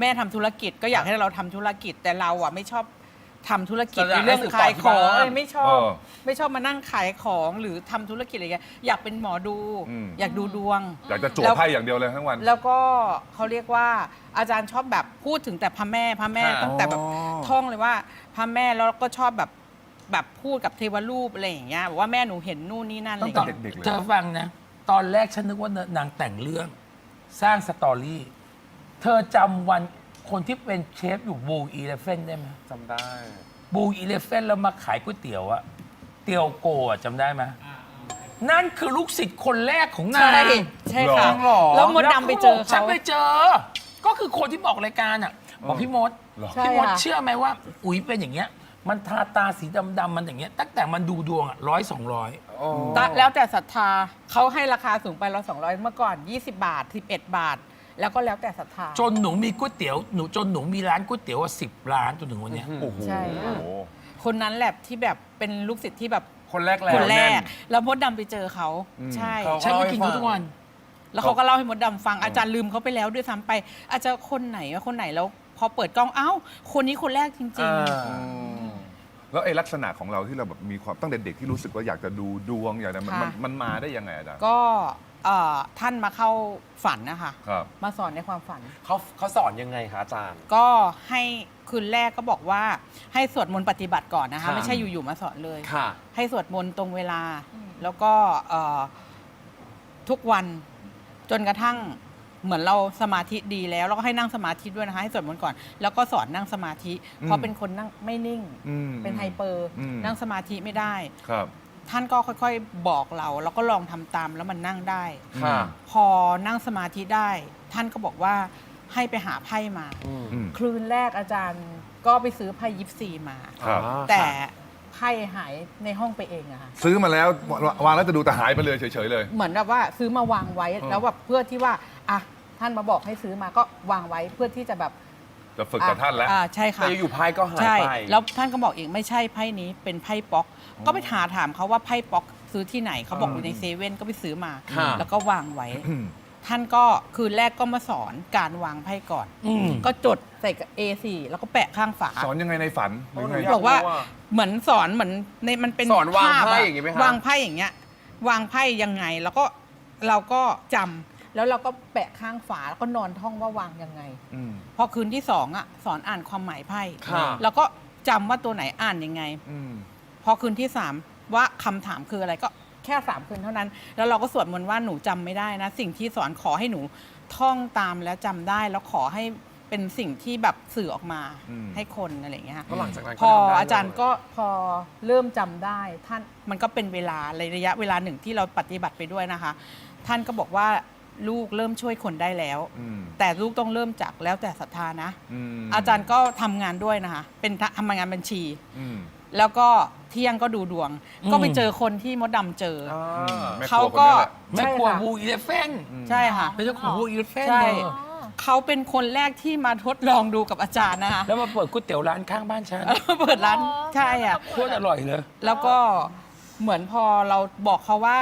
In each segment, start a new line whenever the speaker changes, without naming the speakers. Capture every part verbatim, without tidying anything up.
แม่ทำธุรกิจก็อยากให้เราทำธุรกิจแต่เราอ่ะไม่ชอบทำธุรกิจในเรื่องขายของอะไรไม่ชอบไม่ชอบมานั่งขายของหรือทำธุรกิจอะไรเงี้ยอยากเป็นหมอดูอยากดูดวง
อยากจะจั่วไพ่อย่างเดียวเลยทั้งวัน
แล้วก็เขาเรียกว่าอาจารย์ชอบแบบพูดถึงแต่พระแม่พระแม่ตั้งแต่แบบท่องเลยว่าพระแม่แล้วก็ชอบแบบแบบพูดกับเทวรูปอะไรอย่างเงี้ยบอกว่าแม่หนูเห็นนู่นนี่นั่นอะไรอย่างเงี้ย
เธอฟังนะตอนแรกฉันนึกว่านางแต่งเรื่องสร้างสตอรี่เธอจำวันคนที่เป็นเชฟอยู่บูอีเลฟเฟนได้ไหม
จำได้
บูอีเลฟเฟนแล้วมาขายก๋วยเตี๋ยวอะเตียวโกะจำได้ไหมนั่นคือลูกศิษย์คนแรกของนาง
ใช่ใช่ค่ะแล้วมดดำไปเจอเขา
ฉันไปเจอ ก็คือคนที่บอกรายการอะบอกพี่มดพี่มดเชื่อไหมว่าอุ๋ยเป็นอย่างเงี้ยมันทาตาสีดำๆมันอย่างเงี้ยตั้งแต่มันดูดวงอะร้อยสองร้อย
แล้วแต่ศรัทธาเขาให้ราคาสูงไปร้อยสองร้อยเมื่อก่อนยี่สิบบาทสิบเอ็ดบาทแล้วก็แล้วแต่ศรัทธา
จนหนูมีก๋วยเตี๋ยวหนูจนหนูมีร้านก๋วยเตี๋ยวว่าสิบร้านจนถึงวันนี้
ใช่คนนั้นแหละที่แบบเป็นลูกศิษย์ที่แบบ
คนแรก
คนแรกแล้วมดดำไปเจอเขาใช่
ฉันก็กินเขาทุกวัน
แล้วเขาก็เล่าให้มดดำฟังอาจารย์ลืมเขาไปแล้วด้วยซ้ำไปอาจจะคนไหนว่าคนไหนแล้วพอเปิดกล้องเอ้าคนนี้คนแรกจริงๆ
แล้วไอ้ลักษณะของเราที่เราแบบมีความตั้งแต่เด็กที่รู้สึกว่าอยากจะดูดวงอยากจะมันมันมาได้ยังไงอาจารย์
ก็ท่านมาเข้าฝันนะคะ
ครับ
มาสอนในความฝัน
เขาเขาสอนยังไงคะอาจารย์
ก็ให้คืนแรกก็บอกว่าให้สวดมนต์ปฏิบัติก่อนนะคะไม่ใช่อยู่ๆมาสอนเลยให้สวดมนต์ตรงเวลาแล้วก็ทุกวันจนกระทั่งเหมือนเราสมาธิดีแล้วแล้วก็ให้นั่งสมาธิด้วยนะคะให้สวดมนต์ก่อนแล้วก็สอนนั่งสมาธิเพราะเป็นคนนั่งไม่นิ่งเป็นไฮเปอร์นั่งสมาธิไม่ได้
ครับ
ท่านก็ค่อยๆบอกเราแล้วก็ลองทำตามแล้วมันนั่งได้พอนั่งสมาธิได้ท่านก็บอกว่าให้ไปหาไพ่มาคืนแรกอาจารย์ก็ไปซื้อไพ่ยิปซีมาแต่ไพ่หายในห้องไปเองอะค่ะ
ซื้อมาแล้ววางแล้วจะดูแต่หายไปเลยเฉยๆเลย
เหมือนแบบว่าซื้อมาวางไว้แล้วแบบเพื่อที่ว่าอ่ะท่านมาบอกให้ซื้อมาก็วางไว้เพื่อที่จะแบบ
จะฝึกกับท่านแล้ว
ใช่ค่ะ
แต่อยู่ไพ่ก็หายไป
แล้วท่านก็บอกอีกไม่ใช่ไพ่นี้เป็นไพ่ป๊อกก็ไปหาถามเขาว่าไพ่ป๊อกซื้อที่ไหนเขาบอกอยู่ในเซเว่นก็ไปซื้อมาแล้วก็วางไว้ท่านก็คืนแรกก็มาสอนการวางไพ่ก่อนก็จดใส่กับ เอ โฟร์ แล้วก็แปะข้างฝา
สอนยังไงในฝัน
บอกว่าเหมือนสอนเหมือนในมันเป็น
สอนวางไพ่อย่างงี้ไหมคะ
วางไพ่อย่างเงี้ยวางไพ่ยังไงแล้วก็เราก็จำแล้วเราก็แปะข้างฝาแล้วก็นอนท่องว่าวางยังไงพอคืนที่สองอ่ะสอนอ่านความหมายไพ่แล้วก็จำว่าตัวไหนอ่านยังไงพอคืนที่สามว่าคำถามคืออะไรก็แค่สามคืนเท่านั้นแล้วเราก็สวดมนต์ว่าหนูจำไม่ได้นะสิ่งที่สอนขอให้หนูท่องตามแล้วจำได้แล้วขอให้เป็นสิ่งที่แบบสื่อออกมาให้คนอะไรอย่างเงี้ยพออาจารย์ก็พอเริ่มจำได้ท่านมันก็เป็นเวลาระยะเวลาหนึ่งที่เราปฏิบัติไปด้วยนะคะท่านก็บอกว่าลูกเริ่มช่วยคนได้แล้วแต่ลูกต้องเริ่มจากแล้วแต่ศรัทธานะอาจารย์ก็ทำงานด้วยนะคะเป็นทำงานบัญชีแล้วก็เที่ยงก็ดูดวงก็ไปเจอคนที่มดดำเจอเขาก็
แม่ครัวบูอีเลฟเฟน
ใช่ค่ะ
เป็นเจ้าของบูอีเลฟเฟน
เขาเป็นคนแรกที่มาทดลองดูกับอาจารย์นะคะ
แล้วมาเปิดก๋วยเตี๋ยวร้านข้างบ้านฉัน
เปิดร้านใช่อ่ะ
โคตรอร่อยเลย
แล้วก็เหมือนพอเราบอกเขาว่า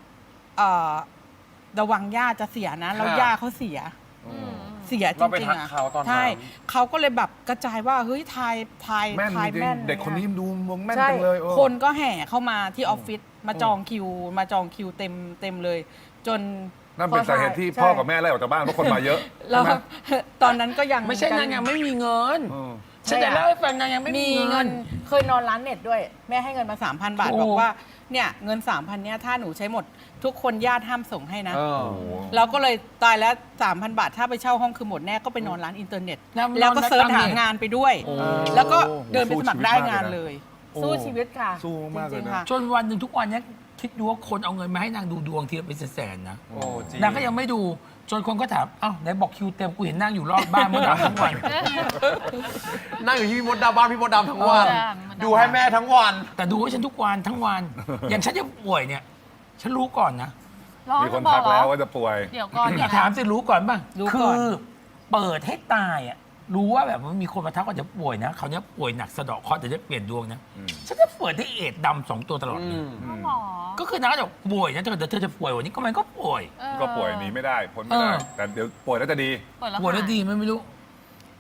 ระวังย่าจะเสียนะแล้วย่าเขาเสียเสียจริงๆอ่ะใช่เขาก็เลยแบบกระจายว่าเฮ้ยทายทาย
ทายแม่นเด็กคนนี้ดูมองแม่นจังเลย
คนก็แห่เข้ามาที่ออฟฟิศมาจองคิวมาจองคิวเต็มเต็มเลยจน
นั่นเป็นสาเหตุที่พ่อกับแม่ไล่ออกจากบ้านเพราะคนมาเยอะ
แล้วตอนนั้นก็ยัง
ไม่ใช่นางยังไม่มีเงินฉันจะเล่าให้ฟังนางยังไม่มีเงิน
เคยนอนร้านเน็ตด้วยแม่ให้เงินมา สามพัน บาทบอกว่าเนี่ยเงิน สามพัน เนี่ยถ้าหนูใช้หมดทุกคนญาติห้ามส่งให้นะเราก็เลยตายแล้ว สามพัน บาทถ้าไปเช่าห้องคือหมดแน่ก็ไปนอนร้านอินเทอร์เน็ตแล้วก็เสิร์ชหางานไปด้วยแล้วก็เดินไปสมัครได้งานเลยสู้ชีวิตค่ะ
สู้มากเลยนะ
จนวันหนึ่งทุกวันนี้คิดดูว่าคนเอาเงินมาให้นางดูดวงทีละเป็นแสนๆนะนางก็ยังไม่ดูจนคนก็ถามอ้าวไหนบอกคิวเต็มกูเห็นนั่งอยู่รอบบ้านมดดำทั้งวัน
นั่งอยู่ที่พี่มดดำบ้านพี่มดดำทั้งวันดูให้แม่ทั้งวัน
แต่ดูให้ฉันทุกวันทั้งวันอย่างฉันจะป่วยเนี่ยฉันรู้ก่อนนะ
มีคนทักแล้วว่าจะป่วย
เดี๋ยวก่อน
อย่าถามสิรู้ก่อนป่ะคือเปิดให้ตายอ่ะรู้ว่าแบบมันมีคนมาทักว่าจะป่วยนะเขาเนี้ยป่วยหนักสะเดาะเคราะห์จะได้เปลี่ยนดวงนะฉันจะเปิดให้เอดดำสองตัวตลอดเลยก็คือนะจะป่วยนะเธอเธอจะป่วยวันนี้ก็มันก็ป่วย
ก็ป่วยหนีไม่ได้พ้นไม่ได้แต่เดี๋ยวป่วยแล้วจะดี
ป่วยแล้วดีไม่ไม่รู้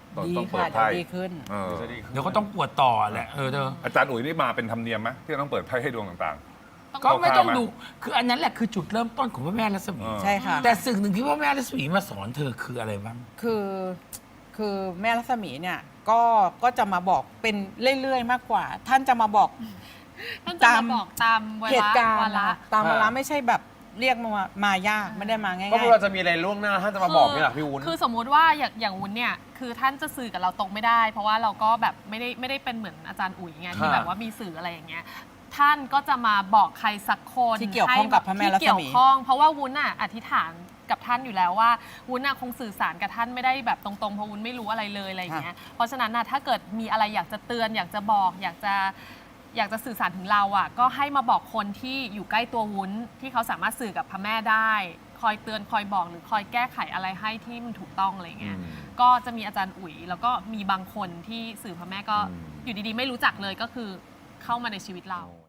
ต้อง
ดี
ต้องเปิ
ค่ะ
ด
เดี๋ย
ไพ่
วดีขึ้น
เออ
เดี๋ยวก็ต้องปวดต่อแหละเออเธอ
อาจารย์อุ๋ยนี่มาเป็นธรรมเนียมไหมที่ต้องเปิดไพ่ให้ดวงต่าง
ก็ไม่ต้อง
คร่าวๆไหม
ดูคืออันนั้นแหละคือจุดเริ่มต้นของพระแม่รัศมี
เออ
ใช่ค่ะ
แต่สิ่งหนึ่งที่พระแม่รัศมีมาสอนเธอคืออะไรบ้าง
คือคือแม่รัศมีเนี่ยก็ก็จะมาบอกเป็นเรื่อยๆมากกว่า ท่านจะมาบอก
ท่านจะมาบอกตามเว
เห
ลา
ตุการ
วา
ณ์
ระ
นะคะตามเวลา
อ่า
ไม่ใช่แบบเรียกมามายากไม่ได้มาง่าย
ก็ไม่ว่าจะมีอะไรล่วงหน้าท่านจะมาบอกนี่แหละพี่วุ้น
คือสมมุติว่าอย่างอย่างวุ้นเนี่ยคือท่านจะสื่อกับเราตรงไม่ได้ เพราะว่าเราก็แบบไม่ได้ไม่ได้เป็นเหมือนอาจารย์อุ๋ยไงที่
ค่ะ
แบบว่ามีสื่ออะไรอย่างเงี้ยท่านก็จะมาบอกใครสักคน
ที่เกี่ยวข้องกับพระแม่รัศมี
ที่เกี่ยวข้องเพราะว่าวุ้นอ่ะอธิษฐานกับท่านอยู่แล้วว่าวุ้นน่ะคงสื่อสารกับท่านไม่ได้แบบตรงๆเพราะวุ้นไม่รู้อะไรเลยอะไรอย่างเงี้ยเพราะฉะนั้นน่ะถ้าเกิดมีอะไรอยากจะเตือน อยากจะบอก อยากจะอยากจะสื่อสารถึงเราอ่ะก็ให้มาบอกคนที่อยู่ใกล้ตัววุ้นที่เขาสามารถสื่อกับพระแม่ได้ คอยเตือนคอยบอกหรือคอยแก้ไขอะไรให้ที่มันถูกต้องอะไรเงี้ย
อืม
ก็จะมีอาจารย์อุ๋ยแล้วก็มีบางคนที่สื่อพระแม่ก็
อืม
อยู่ดีๆ ไม่รู้จักเลยก็คือเข้ามาในชีวิตเรา